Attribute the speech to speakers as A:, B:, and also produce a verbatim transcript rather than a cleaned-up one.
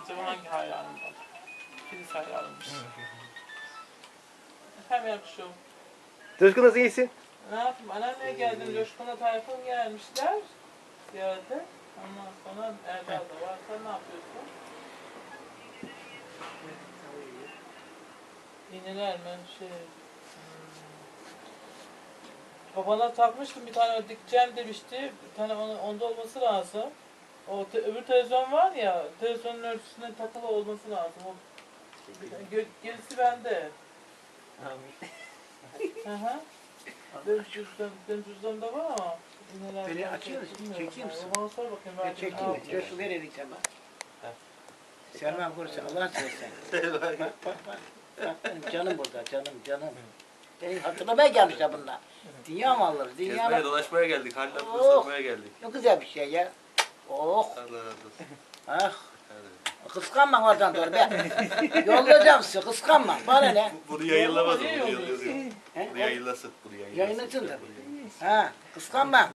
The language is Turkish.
A: Acaba hangi hayranım var? Filiz hayranımmış. Efendim yakışıyor.
B: Coşkun nasıl iyisin?
A: Ne yapayım? Anneanneye geldim. Coşkun'la Tayfun gelmişler. Ziyarete. Ondan sonra Erdal da var. Sen ne yapıyorsun? İğneler mi? Şey... Hmm. Babana takmıştım bir tane dikeceğim demişti. Bir tane onu, onda olması lazım. O te, öbür televizyon var ya, televizyonun ölçüsüne takılı olması lazım. O, gö, gerisi bende. Hı hı. Benim cüzdan, benim cüzdanımda var ama. İğneler
C: Beni
A: var,
C: açıyor
A: şey,
C: musun?
A: bilmiyorum.
C: Çekeyim misin?
A: Bana sor bakayım.
C: Ben
A: belki ne
C: çekeyim.
A: yapayım.
C: Coşku verelim sen bak. Selman Kursa Allah'ın seversen. Bak bak bak. Bak benim canım burada canım canım. Beni hatırlamaya gelmişler bunlar. Dünya malları, dünya
D: Gezmeye
C: malları.
D: dolaşmaya geldik. Halil abla
C: Oh.
D: sormaya geldik.
C: Çok güzel bir şey ya. Oh.
D: Allah razı olsun.
C: Ah.
D: Hadi.
C: Kıskanma oradan doğru be. Yollayacağım size kıskanma. Bana ne?
D: Bunu yayınlamaz. Bunu
A: Niye
D: yayınlasın.
A: yolluyorsun?
C: He?
D: Bunu yayınlasın. Bunu yayınlasın.
C: Yayınlasın da.
D: Bunu yayınlasın.
C: Ha, kıskanma.